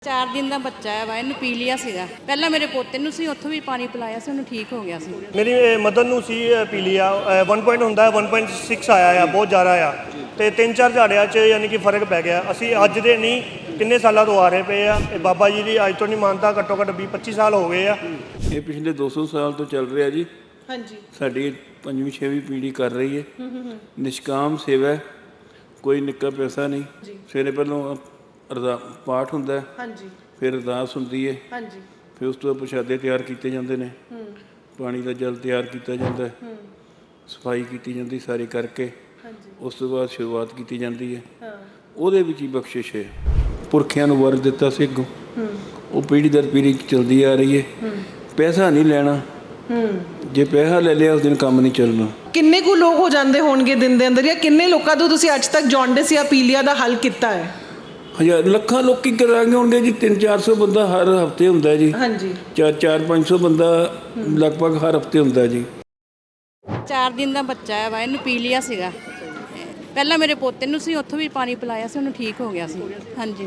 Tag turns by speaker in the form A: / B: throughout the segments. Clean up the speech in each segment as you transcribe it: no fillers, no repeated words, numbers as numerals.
A: 4 दिन का बच्चा है वा इन्हू पीलिया ਸੀਗਾ ਪਹਿਲਾਂ ਮੇਰੇ ਪੋਤੇ ਨੂੰ ਸੀ ਉੱਥੋਂ ਵੀ ਪਾਣੀ ਪਿਲਾਇਆ ਸੀ ਉਹਨੂੰ ਠੀਕ ਹੋ ਗਿਆ ਸੀ।
B: ਮੇਰੀ ਮਦਰ ਨੂੰ ਸੀ ਪੀਲੀਆ 1 ਪੁਆਇੰਟ ਹੁੰਦਾ 1.6 ਆਇਆ ਆ ਬਹੁਤ ਜ਼ਿਆਦਾ ਆ ਤੇ 3-4 ਝਾੜਿਆਂ 'ਚ ਯਾਨੀ ਕਿ ਫਰਕ ਪੈ ਗਿਆ। ਅਸੀਂ ਅੱਜ ਦੇ ਨਹੀਂ ਕਿੰਨੇ ਸਾਲਾਂ ਤੋਂ ਆ ਰਹੇ ਪਏ ਆ। ਇਹ ਬਾਬਾ ਜੀ ਦੀ ਅੱਜ ਤੋਂ ਨਹੀਂ ਮੰਨਦਾ ਘੱਟੋ ਘੱਟ 20-25 ਸਾਲ ਹੋ ਗਏ ਆ।
C: ਇਹ ਪਿਛਲੇ 200 ਸਾਲ ਤੋਂ ਚੱਲ ਰਿਹਾ ਜੀ। ਹਾਂਜੀ ਸਾਡੀ 5ਵੀਂ 6ਵੀਂ ਪੀੜ੍ਹੀ ਕਰ ਰਹੀ ਹੈ। ਨਿਸ਼ਕਾਮ ਸੇਵਾ, ਕੋਈ ਨਿੱਕਾ ਪੈਸਾ ਨਹੀਂ। ਸਵੇਰੇ ਪਹਿਲੋਂ ਪਾਠ ਹੁੰਦਾ ਹੈ, ਹਾਂਜੀ, ਫਿਰ ਅਰਦਾਸ ਹੁੰਦੀ ਹੈ, ਹਾਂਜੀ, ਫਿਰ ਉਸ ਤੋਂ ਬਾਅਦ ਪ੍ਰਸ਼ਾਦੇ ਤਿਆਰ ਕੀਤੇ ਜਾਂਦੇ ਨੇ, ਪਾਣੀ ਦਾ ਜਲ ਤਿਆਰ ਕੀਤਾ ਜਾਂਦਾ ਹੈ, ਸਫਾਈ ਕੀਤੀ ਜਾਂਦੀ ਸਾਰੀ ਕਰਕੇ, ਉਸ ਤੋਂ ਬਾਅਦ ਸ਼ੁਰੂਆਤ ਕੀਤੀ ਜਾਂਦੀ ਹੈ। ਉਹਦੇ ਵਿੱਚ ਹੀ ਬਖਸ਼ਿਸ਼ ਹੈ। ਪੁਰਖਿਆਂ ਨੂੰ ਵਰ ਦਿੱਤਾ ਸੀ ਅੱਗੋਂ, ਉਹ ਪੀੜ੍ਹੀ ਦਰ ਪੀੜ੍ਹੀ ਚੱਲਦੀ ਆ ਰਹੀ ਹੈ। ਪੈਸਾ ਨਹੀਂ ਲੈਣਾ, ਜੇ ਪੈਸਾ ਲੈ ਲਿਆ ਉਸ ਦਿਨ ਕੰਮ ਨਹੀਂ ਚੱਲਣਾ।
D: ਕਿੰਨੇ ਕੁ ਲੋਕ ਹੋ ਜਾਂਦੇ ਹੋਣਗੇ ਦਿਨ ਦੇ ਅੰਦਰ, ਜਾਂ ਕਿੰਨੇ ਲੋਕਾਂ ਤੋਂ ਤੁਸੀਂ ਅੱਜ ਤੱਕ ਜੌਂਡਿਸ ਜਾਂ ਪੀਲੀਆ ਦਾ ਹੱਲ ਕੀਤਾ ਹੈ?
C: ਹਜ਼ਾਰ ਲੱਖਾਂ ਲੋਕੀ ਕਰਾਂਗੇ ਹੋਣਗੇ ਜੀ। 300-400 ਬੰਦਾ ਹਰ ਹਫਤੇ ਹੁੰਦਾ ਜੀ। ਹਾਂਜੀ 400-500 ਬੰਦਾ ਲਗਭਗ ਹਰ ਹਫਤੇ ਹੁੰਦਾ ਜੀ।
A: 4 दिन ਦਾ ਬੱਚਾ ਹੈ ਵਾ ਇਹਨੂੰ ਪੀਲੀਆ ਸੀਗਾ। ਪਹਿਲਾਂ ਮੇਰੇ ਪੋਤੇ ਨੂੰ ਸੀ ਉੱਥੋਂ ਵੀ ਪਾਣੀ ਪਿਲਾਇਆ ਸੀ ਉਹਨੂੰ ਠੀਕ ਹੋ ਗਿਆ ਸੀ। ਹਾਂਜੀ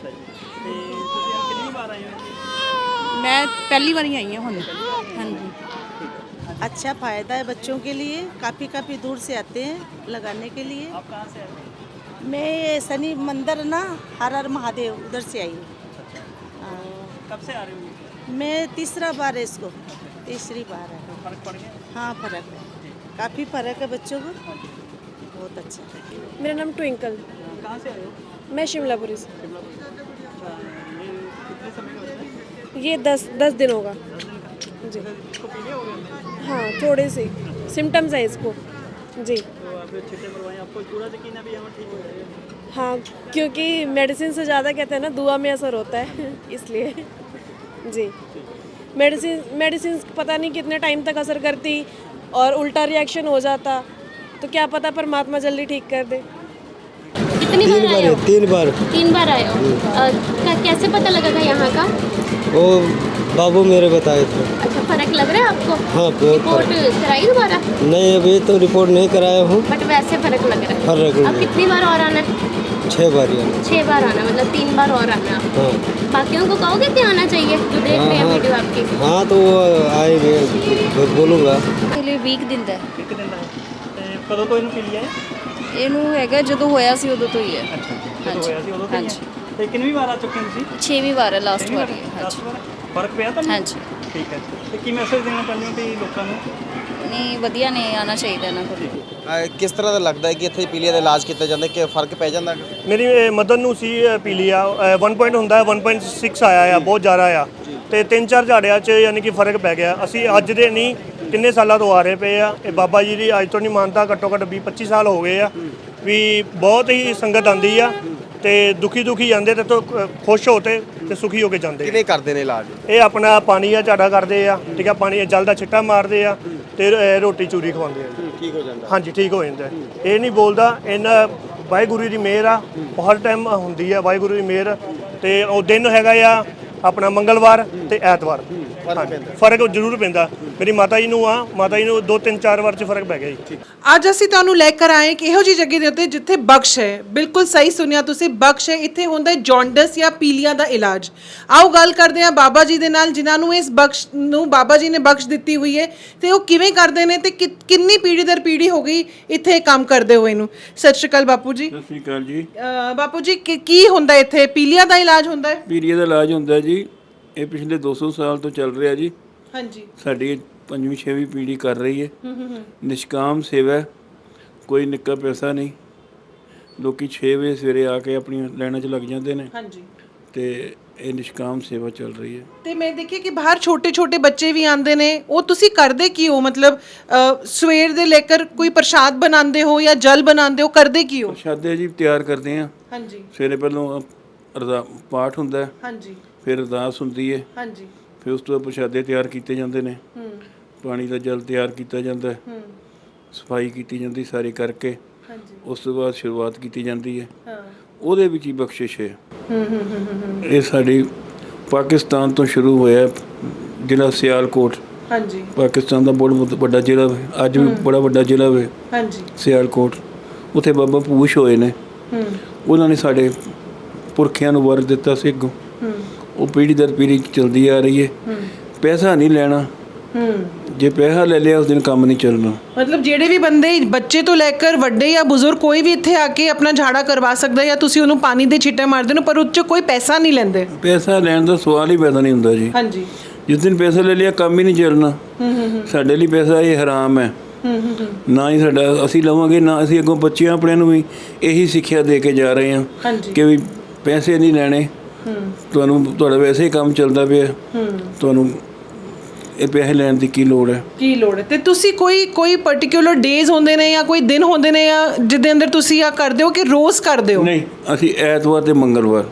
A: ਮੈਂ ਪਹਿਲੀ ਵਾਰੀ ਆਈ ਹਾਂ ਹੁਣ। ਹਾਂਜੀ
E: अच्छा फ़ायदा है बच्चों के लिए। काफ़ी दूर से आते हैं लगाने के लिए। आप कहाँ से आए हो? मैं ये शनि मंदिर ना हर हर महादेव उधर से आई हूँ।
B: कब से आ रही हूँ?
E: मैं तीसरा बार है इसको, तीसरी बार है।
B: फर्क पड़ गया?
E: हाँ फ़र्क है, काफ़ी फ़र्क है बच्चों को, बहुत अच्छा है।
F: मेरा नाम ट्विंकल।
B: कहाँ से आए हो?
F: मैं शिमलापुरी से।
B: ये कितने समय का होता है?
F: ये 10 दिन होगा जी।
B: इसको पीलिया हो गया?
F: हाँ थोड़े से सिम्टम्स हैं इसको जी।
B: तो आप छींटे मरवाएं, आपको पूरा यकीन है भी हम ठीक हो जाएगा?
F: हाँ क्योंकि मेडिसिन से ज़्यादा कहते हैं ना दुआ में असर होता है इसलिए जी। मेडिसिन पता नहीं कितने टाइम तक असर करती और उल्टा रिएक्शन हो जाता, तो क्या पता परमात्मा जल्दी ठीक कर दे।
G: कितनी बार आए हो?
H: 3 बार।
G: 3 बार आए हो। कैसे पता लगा था यहाँ का?
H: वो बाबू मेरे बताए थे।
G: अच्छा फर्क लग रहा है आपको?
H: हाँ
G: रिपोर्ट कराई दोबारा?
H: नहीं अभी तो रिपोर्ट नहीं कराया हूँ।
G: बट वैसे फर्क लग रहा है।
H: फर्क
G: अब कितनी बार और आना है?
H: 6 बार आना।
G: 6 बार आना मतलब 3 बार और आना।
H: हाँ
G: बाकियों को कहोगे कि आना चाहिए जो देख रहे हैं वीडियो आपकी?
H: हाँ तो वो आएंगे बोलूँगा।
A: ਵੀਕ ਦਿਨ ਦਾ
B: ਇੱਕ ਦਿਨ ਦਾ ਤੇ ਕਦੋਂ ਤੋਂ ਇਹਨੂੰ ਪੀਲੀਆ ਹੈ?
A: ਇਹਨੂੰ ਹੈਗਾ ਜਦੋਂ ਹੋਇਆ ਸੀ ਉਦੋਂ ਤੋਂ ਹੀ ਹੈ।
B: ਅੱਛਾ ਜਦੋਂ ਹੋਇਆ ਸੀ ਉਦੋਂ ਤੋਂ ਹੀ ਹੈ। ਤੇ ਕਿੰਨੀ ਵਾਰ ਆ ਚੁੱਕੇ ਹੋ ਤੁਸੀਂ?
A: 6ਵੀਂ ਵਾਰ ਹੈ, ਲਾਸਟ ਵਾਰ ਹੈ।
B: ਲਾਸਟ ਵਾਰ ਫਰਕ ਪਿਆ ਤੁਹਾਨੂੰ?
A: ਹਾਂਜੀ
B: ਠੀਕ ਹੈ। ਤੇ ਕੀ ਮੈਸੇਜ ਦੇਣਾ ਚਾਹੁੰਦੇ ਹੋ ਕਿ ਲੋਕਾਂ ਨੂੰ?
A: ਨਹੀਂ ਵਧੀਆ ਨੇ, ਆਉਣਾ ਚਾਹੀਦਾ ਇਹਨਾਂ ਕੋਲ।
I: ਕਿਸ ਤਰ੍ਹਾਂ ਦਾ ਲੱਗਦਾ ਹੈ ਕਿ ਇੱਥੇ ਪੀਲੀਆ ਦਾ ਇਲਾਜ ਕੀਤਾ ਜਾਂਦਾ, ਕਿ ਫਰਕ ਪੈ ਜਾਂਦਾ?
B: ਮੇਰੀ ਮਦਰ ਨੂੰ ਸੀ ਪੀਲੀਆ 1 ਪੁਆਇੰਟ ਹੁੰਦਾ 1.6 ਆਇਆ ਆ ਬਹੁਤ ਜ਼ਿਆਦਾ ਆ ਤੇ 3-4 ਝਾੜਿਆਂ 'ਚ ਯਾਨੀ ਕਿ ਫਰਕ ਪੈ ਗਿਆ। ਅਸੀਂ ਅੱਜ ਦੇ ਨਹੀਂ ਕਿੰਨੇ ਸਾਲਾਂ ਤੋਂ ਆ ਰਹੇ ਪਏ ਆ। ਇਹ ਬਾਬਾ ਜੀ ਦੀ ਅੱਜ ਤੋਂ ਨਹੀਂ ਮੰਨਦਾ ਘੱਟੋ ਘੱਟ 20-25 ਸਾਲ ਹੋ ਗਏ ਆ। ਵੀ ਬਹੁਤ ਹੀ ਸੰਗਤ ਆਉਂਦੀ ਆ ਤੇ ਦੁਖੀ ਜਾਂਦੇ ਤੇ ਤੋਂ ਖੁਸ਼ ਹੋ ਤੇ ਸੁਖੀ ਹੋ ਕੇ ਜਾਂਦੇ।
I: ਕਿਵੇਂ ਕਰਦੇ ਨੇ ਇਲਾਜ?
B: ਇਹ ਆਪਣਾ ਪਾਣੀ ਆ ਝਾੜਾ ਕਰਦੇ ਆ, ਠੀਕ ਆ, ਪਾਣੀ ਜਲ ਦਾ ਛਿੱਟਾ ਮਾਰਦੇ ਆ ਤੇ ਰੋਟੀ ਚੂਰੀ ਖਵਾਉਂਦੇ ਆ।
I: ਠੀਕ ਹੋ ਜਾਂਦਾ?
B: ਹਾਂਜੀ ਠੀਕ ਹੋ ਜਾਂਦਾ। ਇਹ ਨਹੀਂ ਬੋਲਦਾ, ਇਹਨਾਂ ਵਾਹਿਗੁਰੂ ਦੀ ਮਿਹਰ ਆ, ਹਰ ਟਾਈਮ ਹੁੰਦੀ ਆ ਵਾਹਿਗੁਰੂ ਦੀ ਮਿਹਰ। ਤੇ ਉਹ ਦਿਨ ਹੈਗਾ ਆ ਆਪਣਾ ਮੰਗਲਵਾਰ ਤੇ ਐਤਵਾਰ। ਫਰਕ ਜ਼ਰੂਰ ਪੈਂਦਾ। ਮੇਰੀ ਮਾਤਾ ਜੀ ਨੂੰ ਆ, ਮਾਤਾ ਜੀ ਨੂੰ 2-3-4 ਵਾਰ 'ਚ ਫਰਕ ਪੈ ਗਿਆ ਜੀ।
D: ਅੱਜ ਅਸੀਂ ਤੁਹਾਨੂੰ ਲੈ ਕੇ ਆਏ ਕਿ ਇਹੋ ਜਿਹੀ ਜਗ੍ਹਾ ਦੇ ਉੱਤੇ ਜਿੱਥੇ ਬਖਸ਼ ਹੈ। ਬਿਲਕੁਲ ਸਹੀ ਸੁਣਿਆ ਤੁਸੀਂ, ਬਖਸ਼ ਹੈ। ਇੱਥੇ ਹੁੰਦਾ ਹੈ ਜੌਂਡਿਸ ਜਾਂ ਪੀਲੀਆ ਦਾ ਇਲਾਜ। ਆਓ ਗੱਲ ਕਰਦੇ ਹਾਂ ਬਾਬਾ ਜੀ ਦੇ ਨਾਲ, ਜਿਨ੍ਹਾਂ ਨੂੰ ਇਸ ਬਖਸ਼ ਨੂੰ ਬਾਬਾ ਜੀ ਨੇ ਬਖਸ਼ ਦਿੱਤੀ ਹੋਈ ਹੈ ਤੇ ਉਹ ਕਿਵੇਂ ਕਰਦੇ ਨੇ ਤੇ ਕਿੰਨੀ ਪੀੜ੍ਹੀ ਦਰ ਪੀੜ੍ਹੀ ਹੋ ਗਈ ਇੱਥੇ ਕੰਮ ਕਰਦੇ ਹੋਏ ਨੂੰ। ਸਤਿ ਸ਼੍ਰੀ ਅਕਾਲ ਬਾਪੂ ਜੀ।
C: ਸਤਿ ਸ਼੍ਰੀ ਅਕਾਲ ਜੀ।
D: ਬਾਪੂ ਜੀ ਕੀ ਹੁੰਦਾ ਇੱਥੇ? ਪੀਲੀਆ ਦਾ ਇਲਾਜ ਹੁੰਦਾ ਹੈ?
C: ਪੀਲੀਆ ਦਾ ਇਲਾਜ ਹੁੰਦਾ ਜੀ। ਇਹ ਪਿਛਲੇ 200 ਸਾਲ ਤੋਂ ਚੱਲ ਰਿਹਾ ਜੀ। ਹਾਂਜੀ ਸਾਡੀ 5ਵੀਂ 6ਵੀਂ ਪੀੜ੍ਹੀ ਕਰ ਰਹੀ ਹੈ। ਨਿਸ਼ਕਾਮ ਸੇਵਾ, ਕੋਈ ਨਿੱਕਾ ਪੈਸਾ ਨਹੀਂ। ਲੋਕੀ 6 ਵਜੇ ਸਵੇਰੇ ਆ ਕੇ ਆਪਣੀਆਂ ਲਾਈਨਾਂ 'ਚ ਲੱਗ ਜਾਂਦੇ ਨੇ। ਹਾਂਜੀ ਤੇ ਇਹ ਨਿਸ਼ਕਾਮ ਸੇਵਾ ਚੱਲ ਰਹੀ ਹੈ। ਤੇ
D: ਮੈਂ ਦੇਖਿਆ ਕਿ ਬਾਹਰ ਛੋਟੇ ਬੱਚੇ ਵੀ ਆਉਂਦੇ ਨੇ। ਉਹ ਤੁਸੀਂ ਕਰਦੇ ਕੀ ਹੋ? ਮਤਲਬ ਸਵੇਰ ਦੇ ਲੈ ਕੇ ਕੋਈ ਪ੍ਰਸ਼ਾਦ ਬਣਾਉਂਦੇ ਹੋ ਜਾਂ ਜਲ ਬਣਾਉਂਦੇ ਹੋ, ਕਰਦੇ ਕੀ ਹੋ?
C: ਪ੍ਰਸ਼ਾਦੇ ਜੀ ਤਿਆਰ ਕਰਦੇ ਆ।
D: ਹਾਂਜੀ
C: ਸਵੇਰੇ ਪਹਿਲੋਂ ਪਾਠ ਹੁੰਦਾ। ਹਾਂਜੀ ਫਿਰ ਅਰਦਾਸ ਹੁੰਦੀ ਹੈ। ਹਾਂਜੀ ਫਿਰ ਉਸ ਤੋਂ ਬਾਅਦ ਪ੍ਰਸ਼ਾਦੇ ਤਿਆਰ ਕੀਤੇ ਜਾਂਦੇ ਨੇ, ਪਾਣੀ ਦਾ ਜਲ ਤਿਆਰ ਕੀਤਾ ਜਾਂਦਾ, ਸਫਾਈ ਕੀਤੀ ਜਾਂਦੀ ਸਾਰੀ ਕਰਕੇ, ਉਸ ਤੋਂ ਬਾਅਦ ਸ਼ੁਰੂਆਤ ਕੀਤੀ ਜਾਂਦੀ ਹੈ। ਉਹਦੇ ਵਿੱਚ ਹੀ ਬਖਸ਼ਿਸ਼ ਹੈ। ਇਹ ਸਾਡੀ ਪਾਕਿਸਤਾਨ ਤੋਂ ਸ਼ੁਰੂ ਹੋਇਆ ਜ਼ਿਲ੍ਹਾ ਸਿਆਲਕੋਟ। ਹਾਂਜੀ ਪਾਕਿਸਤਾਨ ਦਾ ਬਹੁਤ ਵੱਡਾ ਜ਼ਿਲ੍ਹਾ ਹੈ, ਅੱਜ ਵੀ ਬੜਾ ਵੱਡਾ ਜ਼ਿਲ੍ਹਾ ਹੈ। ਹਾਂਜੀ ਸਿਆਲਕੋਟ, ਉੱਥੇ ਬਾਬਾ ਪੂਸ਼ ਹੋਏ ਨੇ। ਉਹਨਾਂ ਨੇ ਸਾਡੇ ਪੁਰਖਿਆਂ ਨੂੰ ਵਰ ਦਿੱਤਾ ਸੀ ਅੱਗੋਂ ਉਹ ਪੀੜ੍ਹੀ ਦਰ ਪੀੜ੍ਹੀ ਚਲਦੀ ਆ ਰਹੀ ਹੈ। ਪੈਸਾ ਨਹੀਂ ਲੈਣਾ, ਜੇ ਪੈਸਾ ਲੈ ਲਿਆ ਉਸ ਦਿਨ ਕੰਮ ਨਹੀਂ ਚੱਲਣਾ।
D: ਮਤਲਬ ਜਿਹੜੇ ਵੀ ਬੰਦੇ ਬੱਚੇ ਤੋਂ ਲੈ ਕੇ ਵੱਡੇ ਜਾਂ ਬਜ਼ੁਰਗ ਕੋਈ ਵੀ ਇੱਥੇ ਆ ਕੇ ਆਪਣਾ ਝਾੜਾ ਕਰਵਾ ਸਕਦਾ ਜਾਂ ਤੁਸੀਂ ਉਹਨੂੰ ਪਾਣੀ ਦੇ ਛਿੱਟੇ ਮਾਰਦੇ ਹੋ, ਪਰ ਉਹ 'ਚ ਕੋਈ ਪੈਸਾ ਨਹੀਂ ਲੈਂਦੇ।
C: ਪੈਸਾ ਲੈਣ ਦਾ ਸਵਾਲ ਹੀ ਪੈਦਾ ਨਹੀਂ ਹੁੰਦਾ ਜੀ।
D: ਹਾਂਜੀ।
C: ਜਿਸ ਦਿਨ ਪੈਸਾ ਲੈ ਲਿਆ ਕੰਮ ਹੀ ਨਹੀਂ ਚੱਲਣਾ। ਸਾਡੇ ਲਈ ਪੈਸਾ ਇਹ ਹਰਾਮ ਹੈ। ਨਾ ਹੀ ਸਾਡਾ ਅਸੀਂ ਲਵਾਂਗੇ, ਨਾ ਅਸੀਂ ਅੱਗੋਂ ਬੱਚਿਆਂ ਆਪਣਿਆਂ ਨੂੰ ਵੀ ਇਹੀ ਸਿੱਖਿਆ ਦੇ ਕੇ ਜਾ ਰਹੇ ਹਾਂ ਕਿ ਵੀ ਪੈਸੇ ਨਹੀਂ ਲੈਣੇ, ਤੁਹਾਡਾ ਵੈਸੇ ਹੀ ਕੰਮ ਚੱਲਦਾ ਪਿਆ, ਤੁਹਾਨੂੰ ਇਹ ਪੈਸੇ ਲੈਣ ਦੀ ਕੀ ਲੋੜ ਹੈ।
D: ਤੇ ਤੁਸੀਂ ਕੋਈ ਪਾਰਟਿਕੂਲਰ ਡੇਜ਼ ਹੁੰਦੇ ਨੇ ਜਾਂ ਕੋਈ ਦਿਨ ਹੁੰਦੇ ਨੇ ਜਾਂ ਜਿਹਦੇ ਅੰਦਰ ਤੁਸੀਂ ਆ ਕਰਦੇ ਹੋ ਕਿ ਰੋਜ਼ ਕਰਦੇ ਹੋ?
C: ਨਹੀਂ, ਅਸੀਂ ਐਤਵਾਰ ਤੇ ਮੰਗਲਵਾਰ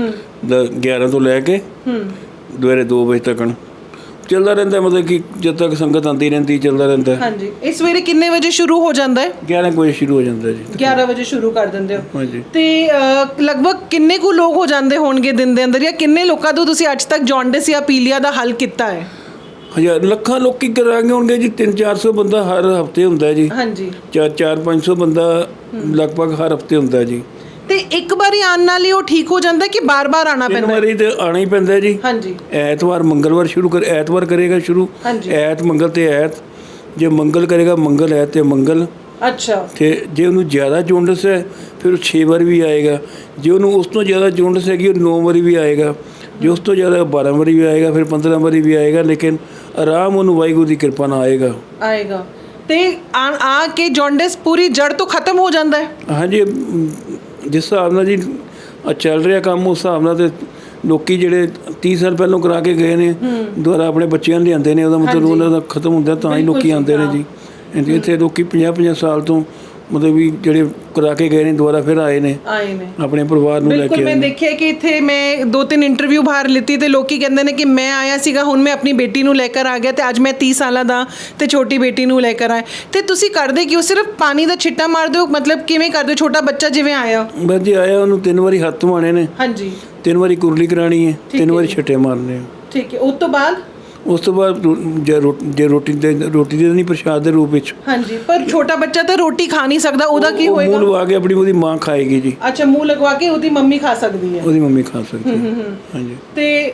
C: 11 ਤੋਂ ਲੈ ਕੇ ਦੁਪਹਿਰੇ 2 ਵਜੇ ਤੱਕ ਚੱਲਦਾ ਰਹਿੰਦਾ, ਮਤਲਬ ਕਿ ਜਦ ਤੱਕ ਸੰਗਤ ਆਉਂਦੀ ਰਹਿੰਦੀ ਚੱਲਦਾ ਰਹਿੰਦਾ।
D: ਹਾਂਜੀ। ਇਸ ਸਵੇਰੇ ਕਿੰਨੇ ਵਜੇ ਸ਼ੁਰੂ ਹੋ ਜਾਂਦਾ ਹੈ?
C: 11 ਵਜੇ ਸ਼ੁਰੂ ਹੋ ਜਾਂਦਾ ਜੀ।
D: 11 ਵਜੇ ਸ਼ੁਰੂ ਕਰ ਦਿੰਦੇ ਹੋ?
C: ਹਾਂਜੀ।
D: ਤੇ ਲਗਭਗ ਕਿੰਨੇ ਕੁ ਲੋਕ ਹੋ ਜਾਂਦੇ ਹੋਣਗੇ ਦਿਨ ਦੇ ਅੰਦਰ, ਜਾਂ ਕਿੰਨੇ ਲੋਕਾਂ ਤੋਂ ਤੁਸੀਂ ਅੱਜ ਤੱਕ ਜੌਂਡਿਸ ਜਾਂ ਪੀਲੀਆ ਦਾ ਹੱਲ ਕੀਤਾ ਹੈ?
C: ਹਜ਼ਾਰ ਲੱਖਾਂ ਲੋਕੀ ਕਰਾਂਗੇ ਹੋਣਗੇ ਜੀ। 300-400 ਬੰਦਾ ਹਰ ਹਫਤੇ ਹੁੰਦਾ ਜੀ।
D: ਹਾਂਜੀ।
C: 400-500 ਬੰਦਾ ਲਗਭਗ ਹਰ ਹਫਤੇ ਹੁੰਦਾ ਜੀ।
D: ਤੇ ਇੱਕ ਵਾਰੀ ਆਉਣ ਨਾਲ ਹੀ ਉਹ ਠੀਕ ਹੋ ਜਾਂਦਾ ਕਿ ਬਾਰ-ਬਾਰ ਆਉਣਾ ਪੈਂਦਾ?
C: 3 ਵਾਰੀ ਤੇ ਆਣਾ ਹੀ ਪੈਂਦਾ ਜੀ।
D: ਹਾਂਜੀ।
C: ਐਤਵਾਰ ਮੰਗਲਵਾਰ ਸ਼ੁਰੂ ਐਤਵਾਰ ਕਰੇਗਾ ਸ਼ੁਰੂ। ਐਤ ਮੰਗਲ ਤੇ ਐਤ, ਜੇ ਮੰਗਲ ਕਰੇਗਾ ਮੰਗਲ ਐਤ ਤੇ ਮੰਗਲ।
D: ਅੱਛਾ।
C: ਤੇ ਜੇ ਉਹਨੂੰ ਜ਼ਿਆਦਾ ਜੌਂਡਿਸ ਹੈ ਫਿਰ ਉਹ 6 ਵਾਰ ਵੀ ਆਏਗਾ। ਜੇ ਉਹਨੂੰ ਉਸ ਤੋਂ ਜ਼ਿਆਦਾ ਜੌਂਡਿਸ ਹੈਗੀ ਉਹ 9 ਵਾਰੀ ਵੀ ਆਏਗਾ। ਜੇ ਉਸ ਤੋਂ ਜ਼ਿਆਦਾ 12 ਵਾਰੀ ਵੀ ਆਏਗਾ, ਫਿਰ 15 ਵਾਰੀ ਵੀ ਆਏਗਾ, ਲੇਕਿਨ ਆਰਾਮ ਉਹਨੂੰ ਵਾਹਿਗੁਰੂ ਦੀ ਕਿਰਪਾ ਨਾਲ ਆਏਗਾ। ਤੇ ਆ ਕੇ ਜੌਂਡਿਸ ਪੂਰੀ ਜੜ ਤੋਂ ਖਤਮ ਹੋ ਜਾਂਦਾ ਹੈ? ਹਾਂਜੀ। ਜਿਸ ਹਿਸਾਬ ਨਾਲ ਜੀ ਚੱਲ ਰਿਹਾ ਕੰਮ ਉਸ ਹਿਸਾਬ ਨਾਲ ਤੇ ਲੋਕੀ ਜਿਹੜੇ 30 ਸਾਲ ਪਹਿਲਾਂ ਕਰਾ ਕੇ ਗਏ ਨੇ ਦੁਬਾਰਾ ਆਪਣੇ ਬੱਚਿਆਂ ਨੂੰ ਲਿਆਉਂਦੇ ਨੇ, ਉਹਦਾ ਮਤਲਬ ਉਹਨਾਂ ਦਾ ਖਤਮ ਹੁੰਦਾ ਤਾਂ ਹੀ ਲੋਕੀ ਆਉਂਦੇ ਨੇ ਜੀ। ਇੱਥੇ ਲੋਕੀ 50-50 ਸਾਲ ਤੋਂ ਮਤਲਬ ਵੀ ਜਿਹੜੇ ਕਰਾ ਕੇ ਗਏ ਨੇ ਦੁਬਾਰਾ ਫਿਰ ਆਏ ਨੇ ਆਪਣੇ ਪਰਿਵਾਰ ਨੂੰ ਲੈ ਕੇ।
D: ਬਿਲਕੁਲ। ਮੈਂ ਦੇਖਿਆ ਕਿ ਇੱਥੇ ਮੈਂ 2-3 ਇੰਟਰਵਿਊ ਬਾਹਰ ਲਿੱਤੀ ਤੇ ਲੋਕੀ ਕਹਿੰਦੇ ਨੇ ਕਿ ਮੈਂ ਆਇਆ ਸੀਗਾ, ਹੁਣ ਮੈਂ ਆਪਣੀ ਬੇਟੀ ਨੂੰ ਲੈ ਕੇ ਆ ਗਿਆ ਤੇ ਅੱਜ ਮੈਂ 30 ਸਾਲਾਂ ਦਾ ਤੇ ਛੋਟੀ ਬੇਟੀ ਨੂੰ ਲੈ ਕੇ ਆਇਆ। ਤੇ ਤੁਸੀਂ ਕਰਦੇ ਕਿ ਉਹ ਸਿਰਫ ਪਾਣੀ ਦਾ ਛਿੱਟਾ ਮਾਰਦੇ ਹੋ, ਮਤਲਬ ਕਿਵੇਂ ਕਰਦੇ ਹੋ? ਛੋਟਾ ਬੱਚਾ ਜਿਵੇਂ ਆਇਆ,
C: ਬਸ ਜੀ ਆਇਆ, ਉਹਨੂੰ 3 ਵਾਰੀ ਹੱਥ ਧਵਾਣੇ ਨੇ।
D: ਹਾਂਜੀ।
C: 3 ਵਾਰੀ ਕੁਰਲੀ ਕਰਾਣੀ ਹੈ, 3 ਵਾਰੀ ਛਿੱਟੇ ਮਾਰਨੇ ਆ।
D: ਠੀਕ ਹੈ। ਉਸ ਤੋਂ ਬਾਅਦ ਜੇ ਰੋਟੀ ਦੇ ਨਹੀਂ ਪ੍ਰਸ਼ਾਦ ਦੇ ਰੂਪ ਵਿੱਚ। ਹਾਂਜੀ। ਪਰ ਛੋਟਾ ਬੱਚਾ ਤਾਂ ਰੋਟੀ ਖਾ ਨਹੀਂ ਸਕਦਾ, ਉਹਦਾ ਕੀ ਹੋਏਗਾ? ਮੂੰਹ ਲਗਵਾ ਕੇ ਆਪਣੀ ਉਹਦੀ ਮਾਂ ਖਾਏਗੀ ਜੀ। ਅੱਛਾ, ਮੂੰਹ ਲਗਵਾ ਕੇ ਉਹਦੀ ਮੰਮੀ ਖਾ ਸਕਦੀ ਹੈ? ਉਹਦੀ ਮੰਮੀ ਖਾ ਸਕਦੀ ਹੈ। ਹਾਂਜੀ। ਤੇ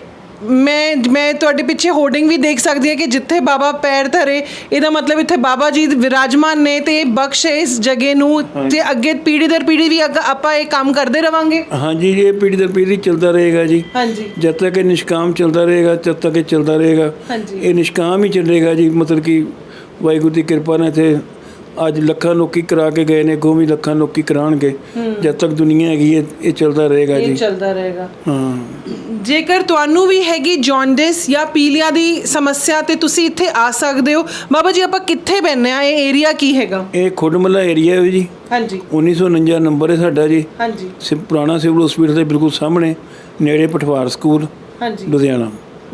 D: ਮੈਂ ਤੁਹਾਡੇ ਪਿੱਛੇ ਹੋਰਡਿੰਗ ਵੀ ਦੇਖ ਸਕਦੀ ਹਾਂ ਕਿ ਜਿੱਥੇ ਬਾਬਾ ਪੈਰ ਧਰੇ, ਇਹਦਾ ਮਤਲਬ ਇੱਥੇ ਬਾਬਾ ਜੀ ਵਿਰਾਜਮਾਨ ਨੇ ਤੇ ਬਖਸ਼ ਹੈ ਇਸ ਜਗ੍ਹਾ ਨੂੰ, ਤੇ ਅੱਗੇ ਪੀੜ੍ਹੀ ਦਰ ਪੀੜ੍ਹੀ ਵੀ ਆਪਾਂ ਇਹ ਕੰਮ ਕਰਦੇ ਰਵਾਂਗੇ। ਹਾਂਜੀ, ਇਹ ਪੀੜ੍ਹੀ ਦਰ ਪੀੜ੍ਹੀ ਚੱਲਦਾ ਰਹੇਗਾ ਜੀ। ਹਾਂਜੀ। ਜਦ ਤੱਕ ਇਹ ਨਿਸ਼ਕਾਮ ਚੱਲਦਾ ਰਹੇਗਾ, ਜਦ ਤੱਕ ਇਹ ਚੱਲਦਾ ਰਹੇਗਾ। ਹਾਂਜੀ। ਇਹ ਨਿਸ਼ਕਾਮ ਹੀ ਚੱਲੇਗਾ ਜੀ। ਮਤਲਬ ਕਿ ਵਾਹਿਗੁਰੂ ਦੀ ਕਿਰਪਾ ਨਾਲ ਇੱਥੇ ਅੱਜ ਲੱਖਾਂ ਲੋਕੀ ਕਰਾ ਕੇ ਗਏ ਨੇ, ਅੱਗੋਂ ਵੀ ਲੱਖਾਂ ਲੋਕੀ ਕਰਾਉਣਗੇ। ਜਦ ਤੱਕ ਦੁਨੀਆ ਹੈਗੀ ਹੈ ਇਹ ਚੱਲਦਾ ਰਹੇਗਾ ਜੀ। ਇਹ ਚੱਲਦਾ ਰਹੇਗਾ। ਹਾਂ। ਜੇਕਰ ਤੁਹਾਨੂੰ ਵੀ ਹੈਗੀ ਜੌਂਡਿਸ ਜਾਂ ਪੀਲੀਆ ਦੀ ਸਮੱਸਿਆ ਤੇ ਤੁਸੀਂ ਇੱਥੇ ਆ ਸਕਦੇ ਹੋ। ਬਾਬਾ ਜੀ ਆਪਾਂ ਕਿੱਥੇ ਬੈਠੇ ਆ? ਇਹ ਏਰੀਆ ਕੀ ਹੈਗਾ? ਇਹ ਖੁੱਡਮੱਲਾ ਏਰੀਆ ਹੈ ਜੀ। ਹਾਂਜੀ। 1949 ਨੰਬਰ ਹੈ ਸਾਡਾ ਜੀ। ਹਾਂਜੀ। ਪੁਰਾਣਾ ਸਿਵਲ ਹਸਪੀਟਲ ਦੇ ਬਿਲਕੁਲ ਸਾਹਮਣੇ, ਨੇੜੇ ਪਠਵਾਰ ਸਕੂਲ। ਹਾਂਜੀ। ਲੁਧਿਆਣਾ।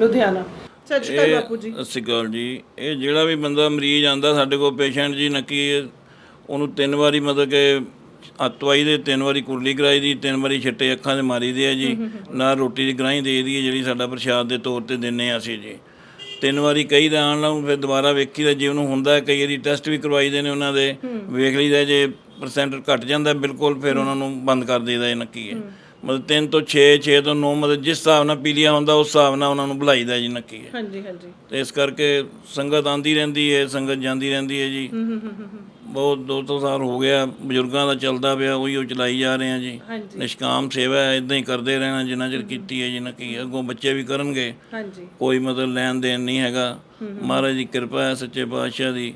D: ਸਤਿ ਸ਼੍ਰੀ ਅਕਾਲ ਬਾਪੂ ਜੀ। ਸਤਿ ਸ਼੍ਰੀ ਅਕਾਲ ਜੀ। ਇਹ ਜਿਹੜਾ ਵੀ ਬੰਦਾ ਮਰੀਜ਼ ਆਉਂਦਾ ਸਾਡੇ ਕੋਲ ਪੇਸ਼ੈਂਟ ਜੀ, ਨੱਕੀ ਉਹਨੂੰ 3 ਵਾਰੀ ਮਤਲਬ ਕਿ ਦਵਾਈ ਦੇ 3 ਵਾਰੀ ਕੁਰਲੀ ਕਰਾਈ ਦੀ, 3 ਵਾਰੀ ਛਿੱਟੇ ਅੱਖਾਂ 'ਤੇ ਮਾਰੀ ਦੇ ਆ ਜੀ। ਨਾਲ ਰੋਟੀ ਦੀ ਗਰਾਹੀਂ ਦੇ ਦੀ ਹੈ ਜਿਹੜੀ ਸਾਡਾ ਪ੍ਰਸ਼ਾਦ ਦੇ ਤੌਰ 'ਤੇ ਦਿੰਦੇ ਹਾਂ ਅਸੀਂ ਜੀ। 3 ਵਾਰੀ ਕਹੀ ਦਾ ਆਉਣ ਨਾਲ ਫਿਰ ਦੁਬਾਰਾ ਵੇਖੀ ਦਾ, ਜੇ ਉਹਨੂੰ ਹੁੰਦਾ ਕਈ ਵਾਰੀ ਟੈਸਟ ਵੀ ਕਰਵਾਈ ਦੇ ਨੇ ਉਹਨਾਂ ਦੇ, ਵੇਖ ਲਈਦਾ ਜੇ % ਘੱਟ ਜਾਂਦਾ ਬਿਲਕੁਲ ਫਿਰ ਉਹਨਾਂ ਨੂੰ ਬੰਦ ਕਰ ਦੇਈਦਾ। ਇਹ ਨੱਕੀ ਹੈ ਮਤਲਬ 3 ਤੋਂ 6, 6 ਤੋਂ 9 ਮਤਲਬ ਜਿਸ ਹਿਸਾਬ ਨਾਲ ਪੀਲੀਆ ਹੁੰਦਾ ਉਸ ਹਿਸਾਬ ਨਾਲ ਉਹਨਾਂ ਨੂੰ ਬੁਲਾਈਦਾ ਜੀ ਨੱਕੀ ਹੈ। ਹਾਂਜੀ ਹਾਂਜੀ। ਅਤੇ ਇਸ ਕਰਕੇ ਸੰਗਤ ਆਉਂਦੀ ਰਹਿੰਦੀ ਹੈ, ਸੰਗਤ ਜਾਂਦੀ ਰਹਿੰਦੀ ਹੈ ਜੀ। ਬਹੁਤ 200 ਸਾਲ ਹੋ ਗਿਆ ਬਜ਼ੁਰਗਾਂ ਦਾ ਚੱਲਦਾ ਪਿਆ, ਉਹੀ ਉਹ ਚਲਾਈ ਜਾ ਰਹੇ ਆ ਜੀ। ਨਿਸ਼ਕਾਮ ਸੇਵਾ ਹੈ, ਇੱਦਾਂ ਹੀ ਕਰਦੇ ਰਹਿਣਾ ਜਿੰਨਾ ਚਿਰ ਕੀਤੀ ਹੈ ਜੀ ਨੱਕੀ। ਅੱਗੋਂ ਬੱਚੇ ਵੀ ਕਰਨਗੇ। ਕੋਈ ਮਤਲਬ ਲੈਣ ਦੇਣ ਨਹੀਂ ਹੈਗਾ। ਮਹਾਰਾਜ ਦੀ ਕਿਰਪਾ ਹੈ, ਸੱਚੇ ਪਾਤਸ਼ਾਹ ਦੀ।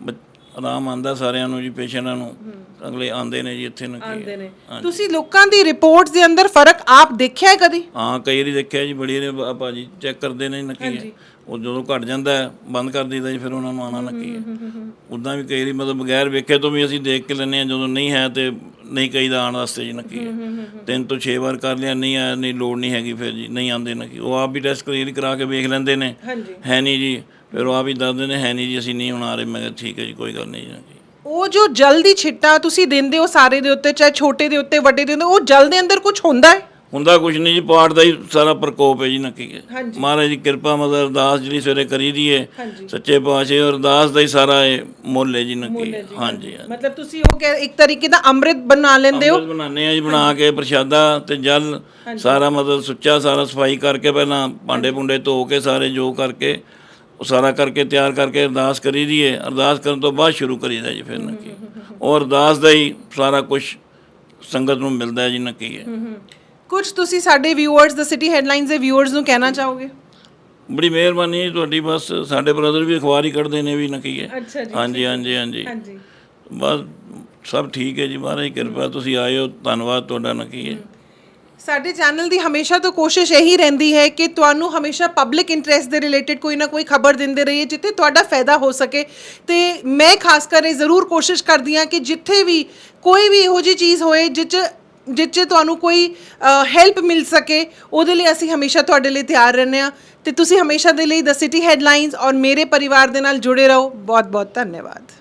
D: ਆਰਾਮ ਆਉਂਦਾ ਸਾਰਿਆਂ ਨੂੰ ਜੀ, ਪੇਸ਼ੈਂਟਾਂ ਨੂੰ। ਅਗਲੇ ਆਉਂਦੇ ਨੇ ਜੀ ਇੱਥੇ ਨੱਕੀ। ਤੁਸੀਂ ਲੋਕਾਂ ਦੀ ਰਿਪੋਰਟਸ ਦੇ ਅੰਦਰ ਫਰਕ ਆਪ ਦੇਖਿਆ ਹੈ ਕਦੀ? ਹਾਂ,
C: ਕਈ ਵਾਰੀ ਦੇਖਿਆ ਜੀ। ਬੜੀ ਵਾਰੀ ਭਾਜੀ ਚੈੱਕ ਕਰਦੇ ਨੇ ਨੱਕੀ ਹੈ, ਉਹ ਜਦੋਂ ਘਟ ਜਾਂਦਾ ਬੰਦ ਕਰ ਦਿੰਦਾ ਜੀ, ਫਿਰ ਉਹਨਾਂ ਨੂੰ ਆਉਣਾ ਨੱਕੀ ਹੈ। ਉੱਦਾਂ ਵੀ ਕਈ ਵਾਰੀ ਮਤਲਬ ਬਗੈਰ ਵੇਖੇ ਤੋਂ ਵੀ ਅਸੀਂ ਦੇਖ ਕੇ ਲੈਂਦੇ ਹਾਂ, ਜਦੋਂ ਨਹੀਂ ਹੈ ਤੇ ਨਹੀਂ ਕਹੀਦਾ ਆਉਣ ਵਾਸਤੇ ਜੀ ਨੱਕੀ ਹੈ। 3 ਤੋਂ 6 ਵਾਰ ਕਰ ਲਿਆ, ਨਹੀਂ ਆਇਆ, ਨਹੀਂ ਲੋੜ ਨਹੀਂ ਹੈਗੀ, ਫਿਰ ਜੀ ਨਹੀਂ ਆਉਂਦੇ ਨੱਕੀ। ਉਹ ਆਪ ਵੀ ਟੈਸਟ ਕਲੀਅਰ ਕਰਾ ਕੇ ਵੇਖ ਲੈਂਦੇ ਨੇ, ਹੈ ਨਹੀਂ ਜੀ, ਫਿਰ ਉਹ ਆਪ ਹੀ ਦੱਸਦੇ ਨੇ ਹੈ ਨਹੀਂ ਜੀ, ਅਸੀਂ ਨਹੀਂ ਹੁਣ ਆ ਰਹੇ। ਮੈਂ ਕਿਹਾ ਠੀਕ ਹੈ ਜੀ, ਕੋਈ ਗੱਲ ਨਹੀਂ ਜੀ।
D: ਉਹ ਜੋ ਜਲ ਦੀ ਛਿੱਟਾ ਤੁਸੀਂ ਦਿੰਦੇ ਹੋ ਸਾਰੇ ਦੇ ਉੱਤੇ, ਚਾਹੇ ਛੋਟੇ ਦੇ ਉੱਤੇ ਵੱਡੇ ਦੇ ਉੱਤੇ, ਉਹ ਜਲ ਦੇ ਅੰਦਰ ਕੁਝ ਹੁੰਦਾ ਹੈ?
C: ਹੁੰਦਾ ਕੁਛ ਨਹੀਂ ਜੀ, ਪਾਠ ਦਾ ਹੀ ਸਾਰਾ ਪ੍ਰਕੋਪ ਹੈ ਜੀ ਨੱਕੀ ਹੈ। ਮਹਾਰਾਜ ਦੀ ਕਿਰਪਾ ਮਤਲਬ ਅਰਦਾਸ ਜਿਹੜੀ ਸਵੇਰੇ ਕਰੀ ਦੀ ਹੈ ਸੱਚੇ ਪਾਤਸ਼ਾਹ, ਅਰਦਾਸ ਦਾ ਹੀ ਸਾਰਾ ਇਹ ਮੁੱਲ ਹੈ ਜੀ ਨੱਕੀ। ਹਾਂਜੀ
D: ਮਤਲਬ ਤੁਸੀਂ ਉਹ ਇੱਕ ਤਰੀਕੇ ਦਾ ਅੰਮ੍ਰਿਤ ਬਣਾ ਲੈਂਦੇ ਹੋ?
C: ਅੰਮ੍ਰਿਤ ਬਣਾਉਂਦੇ ਆ ਜੀ, ਬਣਾ ਕੇ ਪ੍ਰਸ਼ਾਦਾ ਤੇ ਜਲ ਸਾਰਾ ਮਤਲਬ ਸੁੱਚਾ ਸਾਰਾ ਸਫਾਈ ਕਰਕੇ ਪਹਿਲਾਂ ਭਾਂਡੇ ਭੁੰਡੇ ਧੋ ਕੇ ਸਾਰੇ ਜੋ ਕਰਕੇ ਉਹ ਸਾਰਾ ਕਰਕੇ ਤਿਆਰ ਕਰਕੇ ਅਰਦਾਸ ਕਰੀ ਦੀ ਹੈ। ਅਰਦਾਸ ਕਰਨ ਤੋਂ ਬਾਅਦ ਸ਼ੁਰੂ ਕਰੀਦਾ ਜੀ ਫਿਰ ਨੱਕੀ। ਔਰ ਅਰਦਾਸ ਦਾ ਹੀ ਸਾਰਾ ਕੁਝ ਸੰਗਤ ਨੂੰ ਮਿਲਦਾ ਹੈ ਜੀ ਨੱਕੀ ਹੈ।
D: ਕੁਝ ਤੁਸੀਂ ਸਾਡੇ ਵਿਊਅਰਸ ਦ ਸਿਟੀ ਹੈਡਲਾਈਨਸ ਦੇ ਵਿਊਅਰਸ ਨੂੰ ਕਹਿਣਾ ਚਾਹੋਗੇ?
C: ਬੜੀ ਮਿਹਰਬਾਨੀ ਹੈ ਤੁਹਾਡੀ, ਬਸ ਸਾਡੇ ਬ੍ਰਦਰ ਵੀ ਅਖਬਾਰ ਹੀ ਕੱਢਦੇ ਨੇ ਵੀ ਨੱਕੀ ਹੈ। ਹਾਂਜੀ ਹਾਂਜੀ ਹਾਂਜੀ ਬਸ ਸਭ ਠੀਕ ਹੈ ਜੀ, ਮਹਾਰਾਜ ਦੀ ਕਿਰਪਾ। ਤੁਸੀਂ ਆਏ ਹੋ, ਧੰਨਵਾਦ ਤੁਹਾਡਾ ਨੱਕੀ ਹੈ।
D: ਸਾਡੇ ਚੈਨਲ ਦੀ ਹਮੇਸ਼ਾ ਤੋਂ ਕੋਸ਼ਿਸ਼ ਇਹੀ ਰਹਿੰਦੀ ਹੈ ਕਿ ਤੁਹਾਨੂੰ ਹਮੇਸ਼ਾ ਪਬਲਿਕ ਇੰਟਰਸਟ ਦੇ ਰਿਲੇਟਡ ਕੋਈ ਨਾ ਕੋਈ ਖਬਰ ਦਿੰਦੇ ਰਹੀਏ ਜਿੱਥੇ ਤੁਹਾਡਾ ਫਾਇਦਾ ਹੋ ਸਕੇ। ਤੇ ਮੈਂ ਖਾਸ ਕਰ ਇਹ ਜ਼ਰੂਰ ਕੋਸ਼ਿਸ਼ ਕਰਦੀ ਹਾਂ ਕਿ ਜਿੱਥੇ ਵੀ ਕੋਈ ਵੀ ਇਹੋ ਜਿਹੀ ਚੀਜ਼ ਹੋਏ ਜਿਹ 'ਚ ਤੁਹਾਨੂੰ ਕੋਈ ਹੈਲਪ ਮਿਲ ਸਕੇ, ਉਹਦੇ ਲਈ ਅਸੀਂ ਹਮੇਸ਼ਾ ਤੁਹਾਡੇ ਲਈ ਤਿਆਰ ਰਹਿੰਦੇ ਹਾਂ। ਤੇ ਤੁਸੀਂ ਹਮੇਸ਼ਾ ਦੇ ਲਈ ਦ ਸਿਟੀ ਹੈਡਲਾਈਨਸ ਔਰ ਮੇਰੇ ਪਰਿਵਾਰ ਦੇ ਨਾਲ ਜੁੜੇ ਰਹੋ। ਬਹੁਤ ਬਹੁਤ ਧੰਨਵਾਦ।